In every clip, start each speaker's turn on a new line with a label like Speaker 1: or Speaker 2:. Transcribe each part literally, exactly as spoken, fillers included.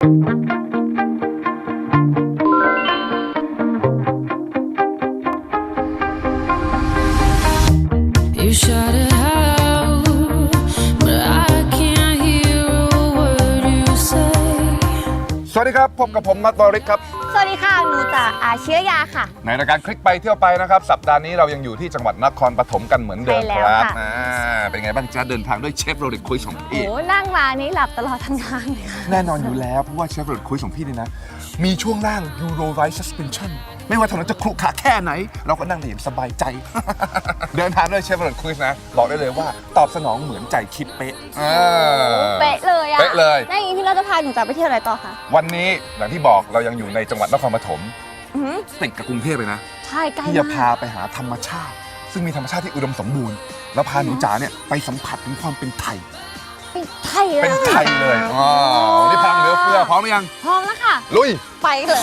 Speaker 1: สวัสดีครับพบกับผมนัทวริศครับ
Speaker 2: สวัสดีค่ะหนูจากอาเชื้อยาค่ะ
Speaker 1: ในรายการคลิกไปเที่ยวไปนะครับสัปดาห์นี้เรายังอยู่ที่จังหวัดนครปฐมกันเหมือนเดิมครับอ่าเป็นไงบ้างจ๊ะเดินทางด้วยเชฟโรเลตคุยของพี่
Speaker 2: โอ้นั่งมานี้หลับตลอดทั้งทางเลยค่ะ
Speaker 1: แน่นอนอยู่แล้วเพราะว่าเชฟโรเลตคุยของพี่นี่นะมีช่วงล่าง Euro Ride Suspension ไม่ว่าถนนจะขรุขระแค่ไหนเราก็นั่งได้อย่างสบายใจ เดินทางด้วยเชฟโรเลตคุยนะบอกได้เลยว่าตอบสนองเหมือนใจคิดเป๊ะ
Speaker 2: เป๊ะเลยอะ
Speaker 1: เป๊ะเลย
Speaker 2: แล้วอย่างนี้พี่เราจะพาหนูจากไปเที่ยวอะไรต่อคะ
Speaker 1: วันนี้อย่างที่บอกเรายังอยู่ในจังหวัดนครปฐมติดกับกรุงเทพเลยนะ
Speaker 2: ใช่ใกล้มาก
Speaker 1: ที่จะพาไปหาธรรมชาติซึ่งมีธรรมชาติที่อุดมสมบูรณ์แล้วพาหนูจ๋าเนี่ยไปสัมผัสถึงความเป็นไทย
Speaker 2: เป็นไทยเลย
Speaker 1: เป็นไทยเลยอ๋อวันนี้พังเหลือเฟือพร้อมหรือยัง
Speaker 2: พร้อมแล้วค่ะ
Speaker 1: ลุย
Speaker 2: ไปเลย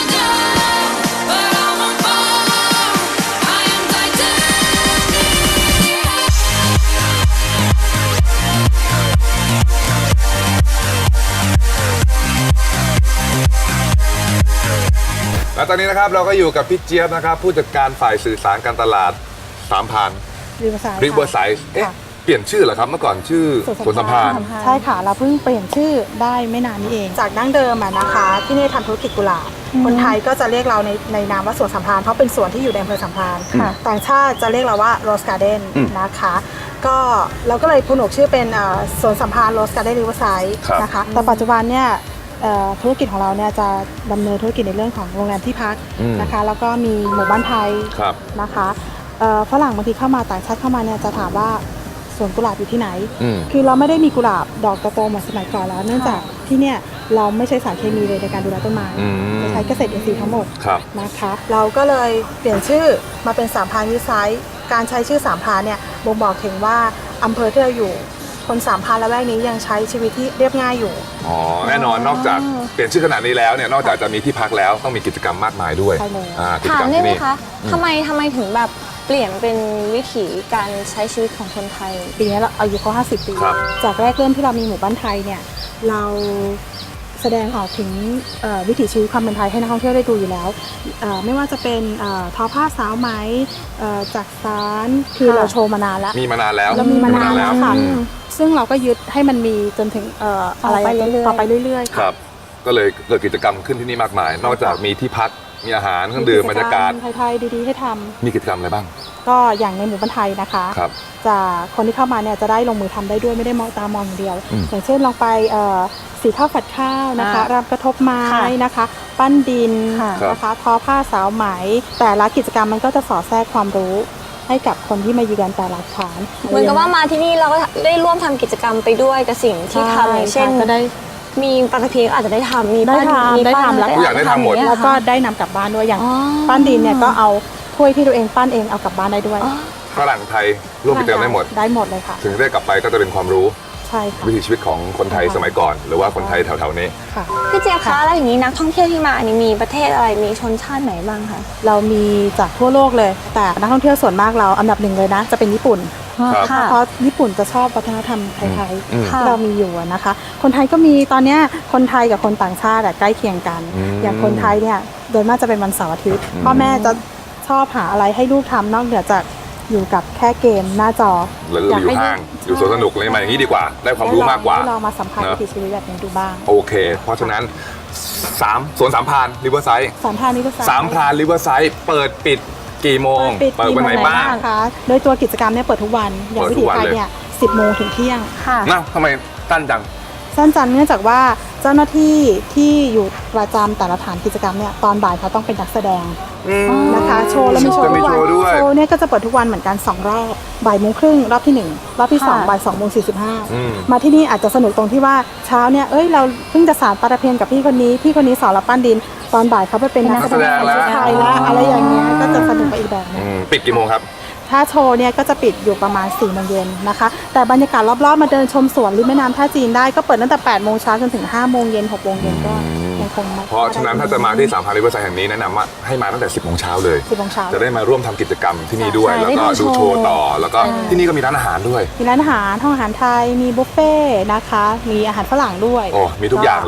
Speaker 1: แล้วตอนนี้นะครับเราก็อยู่กับพี่เจี๊ยบนะครับผู้จัดการฝ่ายสื่อสารการตลาดสามพัน
Speaker 3: ริเวอร์ไซด์
Speaker 1: ริเวอร์ไซด์เอ๊ะเปลี่ยนชื่อเหรอครับเมื่อก่อนชื่อสวนสัมพันธ์
Speaker 3: ใช่ค่ะเราเพิ่งเปลี่ยนชื่อได้ไม่นานนี้เองจากดั้งเดิมอะนะคะที่นี่ทำธุรกิจกุหลาบคนไทยก็จะเรียกเราในในนามว่าสวนสัมพันธ์เพราะเป็นสวนที่อยู่ในอำเภอสัมพันธ์ต่างชาติจะเรียกเราว่าโรสการ์เด้นนะคะก็เราก็เลยผนวกชื่อเป็นสวนสัมพันธ์โรสการ์เด้นริเวอร์ไซด์นะคะแต่ปัจจุบันเนี่ยธุรกิจของเราเนี่ยจะดำเนินธุรกิจในเรื่องของโรงแรมที่พักนะคะแล้วก็มีหมู่บ้านไทยนะคะฝรั่งบางทีเข้ามาต่างชาติเข้ามาเนี่ยจะถามว่าสวนกุหลาบอยู่ที่ไหนคือเราไม่ได้มีกุหลาบดอกโตๆเหมือนสมัยก่อนแล้วเนื่องจากที่เนี่ยเราไม่ใช้สารเคมีเลยในการดูแลต้นไม้จะใช้เกษตรอินทรีย์ทั้งหมดนะคะเราก็เลยเปลี่ยนชื่อมาเป็นสามพรานริเวอร์ไซด์การใช้ชื่อสามพรานเนี่ยบ่งบอกถึงว่าอำเภอที่เราอยู่คนสามพรานละแวกนี้ยังใช้ชีวิตที่เรียบง่ายอยู่
Speaker 1: อ๋อแน่นอนนอกจากเปลี่ยนชื่อขนาดนี้แล้วเนี่ยนอกจากจะมีที่พักแล้วต้องมีกิจกรรมมากมายด้วย
Speaker 2: ถามได้ไหมคะทำไมทำไมถึงแบบเปลี่ยนเป็นวิถีการใช้ชีวิตของคนไทย
Speaker 3: ปีนี้เราอายุเขาห้าสิบปีจากแรกเริ่มที่เรามีหมู่บ้านไทยเนี่ยเราแสดงออกถึงวิถีชีวิตความเป็นไทยให้นักท่องเที่ยวได้ดูอยู่แล้วไม่ว่าจะเป็นทอผ้าสาวไหมจากสารคือเราโชว์มานานแล้ว
Speaker 1: มีมานานแล้ว
Speaker 3: เรามีมานานแล้วค่ะซึ่งเราก็ยึดให้มันมีจนถึงอะไรต่อไปเรื่อย
Speaker 1: ๆครับก็เลยเกิดกิจกรรมขึ้นที่นี่มากมายนอกจากมีที่พักมีอาหารเครื่องดื่มบรรยากาศ
Speaker 3: ไทยๆดีๆให้ทำ
Speaker 1: มีกิจกรรมอะไรบ้าง
Speaker 3: ก็อย่างในหมู่บ้านไทยนะคะจะคนที่เข้ามาเนี่ยจะได้ลงมือทำได้ด้วยไม่ได้มองตามองอย่างเดียวอย่างเช่นลองไปสีข้าวฝัดข้าวนะคะรำกระทบไม้นะคะปั้นดินนะคะทอผ้าสาวไหมแต่ละกิจกรรมมันก็จะสอดแทรกความรู้ให้กับคนที่มาเยือนแต่ละฐาน
Speaker 2: เหมือนกับว่ามาที่นี่เราก็ได้ร่วมทำกิจกรรมไปด้วยกับสิ่งที่ทำอย่างเช่นก็ได้มีปาตะเพียอาจจะได้ทำมี
Speaker 3: ได้ทำได้ทำ
Speaker 1: แล้วอยากได้ทำหมด
Speaker 3: แล้วก็ได้นำกลับบ้านด้วยอย่างปั้นดินเนี่ยก็เอาถ้วยที่ตัวเองปั้นเองเอากลับบ้านได้ด้วย
Speaker 1: ฝรั่งไทยร่วมกิจกรรมได้หมด
Speaker 3: ได้หมดเลยค่ะ
Speaker 1: ถึงได้กลับไปก็จะเป็นความรู้
Speaker 3: ใช่ค่ะ
Speaker 1: วิถีชีวิตของคนไทยสมัยก่อนหรือว่าคนไทยแถวๆนี้
Speaker 2: พี่เจี๊ยบคะแล้วอย่างนี้นักท่องเที่ยวที่มาอันนี้มีประเทศอะไรมีชนชาติไหนบ้างคะ
Speaker 3: เรามีจากทั่วโลกเลยแต่นักท่องเที่ยวส่วนมากเราอันดับหนึ่งเลยนะจะเป็นญี่ปุ่นเพราะญี่ปุ่นจะชอบวัฒนธรรมไทยๆที่เรามีอยู่นะคะคนไทยก็มีตอนนี้คนไทยกับคนต่างชาติใกล้เคียงกันอย่างคนไทยเนี่ยโดยมากจะเป็นวันเสาร์อาทิตย์พ่อแม่จะชอบหาอะไรให้ลูกทำนอกเหนือจากอยู่กับแค่เกมหน้าจอ
Speaker 1: หรืออยู่ห้างอยู่สวนสนุกอะไรมาอย่างนี้ดีกว่าได้ความรู้มากกว่า
Speaker 3: เรามาสัมผัสวิถีชีวิตแบบนี้ดูบ้าง
Speaker 1: โอเคเพราะฉะนั้นสามสวนสามพรานริเวอร์ไซด์
Speaker 3: สามพรานริเวอร์ไซด์
Speaker 1: สามพรานริเวอร์ไซด์เปิดปิดกี่โมงเปิดวันไหนบ้าง
Speaker 3: คะโดยตัวกิจกรรมเนี่ยเปิดทุกวันอย่างวิถีไทยเนี่ยสิบโมงถึงเที่ยง
Speaker 2: ค่ะ
Speaker 1: นะทำไมสั้นจัง
Speaker 3: สั้นจังเนื่องจากว่าเจ้าหน้าที่ที่อยู่ประจำแต่ละฐานกิจกรรมเนี่ยตอนบ่ายเขาต้องเป็นนักแสดงนะคะโชว์แล้วมีโชว์ทุกวันโชว์เนี่ยก็จะเปิดทุกวันเหมือนกันสองรอบบ่ายโมงครึ่งรอบที่หนึ่งรอบที่สองบ่ายสองโมงสี่สิบห้ามาที่นี่อาจจะสนุกตรงที่ว่าเช้าเนี่ยเอ้ยเราเพิ่งจะสานปาตะเพียนกับพี่คนนี้พี่คนนี้สอนเราปั้นดินตอนบ่ายเขาไปเป็นนักแสดงชุดไทยแล้วอะไรอย่างเงี้ยก็จะสนุกไปอีกแบบนึง
Speaker 1: ปิดกี่โมงครับ
Speaker 3: ถ้าโชว์เนี่ยก็จะปิดอยู่ประมาณสี่โมงเย็นนะคะแต่บรรยากาศรอบๆมาเดินชมสวนริมแม่น้ำท่าจีนได้ก็เปิดตั้งแต่แปดโมงเช้าจนถึงห้าโมงเย็นหกโมงเย็นก็ยังคง
Speaker 1: เพราะฉะนั้นถ้าจะมาที่สามพรานริเวอร์ไซด์แห่งนี้แนะนำว่าให้มาตั้งแต่สิบโมงเช้าเลย
Speaker 3: สิบโมงเช้า
Speaker 1: จะได้มาร่วมทำกิจกรรมที่นี่ด้วยแล้วก็ดูโชว์ต่อแล้วก็ที่นี่ก็มีร้านอาหารด้วย
Speaker 3: มีร้านอาหารห้องอาหารไทยมีบุฟเฟ่นะคะมีอาหารฝรั่งด้วย
Speaker 1: โอ้มีทุกอย่างเลย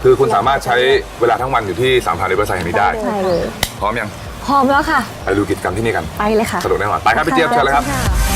Speaker 1: คือคุณสามารถใช้เวลาทั้งวันอยู่ที่สามพันริเวอร์ไซด์แห่งนี้ได้
Speaker 2: ใช่เลย
Speaker 1: พร้อมยัง
Speaker 2: พร้อมแล้วค่ะ
Speaker 1: ไปดูกิจกรรมที่นี่กัน
Speaker 2: ไปเลยค่ะ
Speaker 1: สนุกแน่นอนไปครับพี่เจี๊ยบเชิญเลยครับ
Speaker 2: ค่ะ